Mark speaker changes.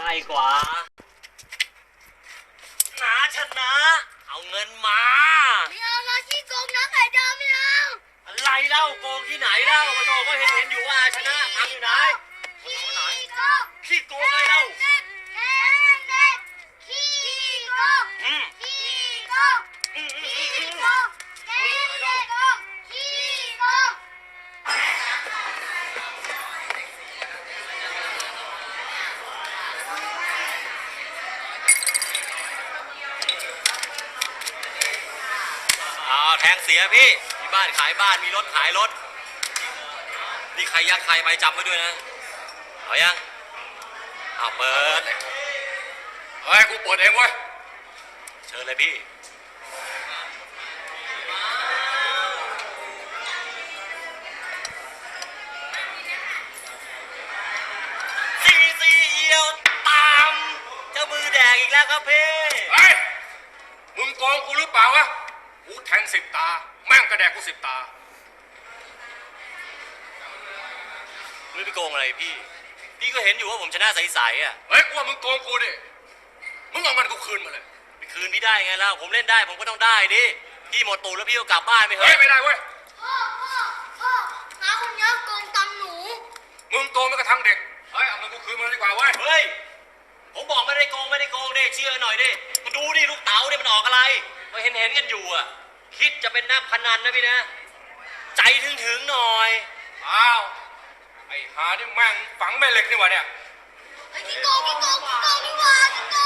Speaker 1: ง่ายกว่านาชนะเอาเงินมา
Speaker 2: ไม่เอาเราขี้โกงนะไข่ดาวไม่เอา
Speaker 1: อะไรเล่าโกงที่ไหนเล่ามาโตก็เห็นอยู่ว่าชนะทำอยู่ไหน
Speaker 2: ขี้โกง
Speaker 1: ขี้โกงอะไรเล่า
Speaker 2: ขี้โกงขี้โกงขี้โกงขี้โกง
Speaker 1: แทงเสียพี่มีบ้านขายบ้านมีรถขายรถนี่ใครยักใครไปจำไว้ด้วยนะเอายังเอาเปิด
Speaker 3: เฮ้ยกูเปิดเองเว้ย
Speaker 1: เชิญเลยพี่ซีเอียวตามเจ้ามือแดงอีกแล้วครับพี่
Speaker 3: เฮ้ยมึงโกงกูหรือเปล่าวะกูแทง10 ตาแม่งกระแดกกู10 ตา
Speaker 1: ไม่ไปโกงอะไรพี่ก็เห็นอยู่ว่าผมชนะใสๆอ่ะ
Speaker 3: เฮ้ยกูว่ามึงโกงกูดิมึงเอาเงินกูคืนมาเลย
Speaker 1: ไปคืนพี่ได้ไงล่ะผมเล่นได้ผมก็ต้องได้ดิพี่หมดตูดแล้วพี่ก็กลับบ้านไม่เหรอ
Speaker 3: ไม่ได้เว้ย
Speaker 2: พ่อน้าคนนี้โกงตังหนู
Speaker 3: มึงโกงไม่กระทั่งเด็กเฮ้ยเอาเงินกูคืนมาดีกว่าเว้ย
Speaker 1: เฮ้ยผมบอกไม่ได้โกงดิเชื่อหน่อยดิมาดูดิลูกเต๋าเนี่ยมันออกอะไรมาเห็นกันอยู่อ่ะคิดจะเป็นนักพนันนะพี่นะใจถึงหน่อย
Speaker 3: อ้าวไอ้หานี่แม่งฝังแม่เหล็กนี่วะเนี่ย
Speaker 2: ไอ้ขี้โกงนี่หว่าขี้โกง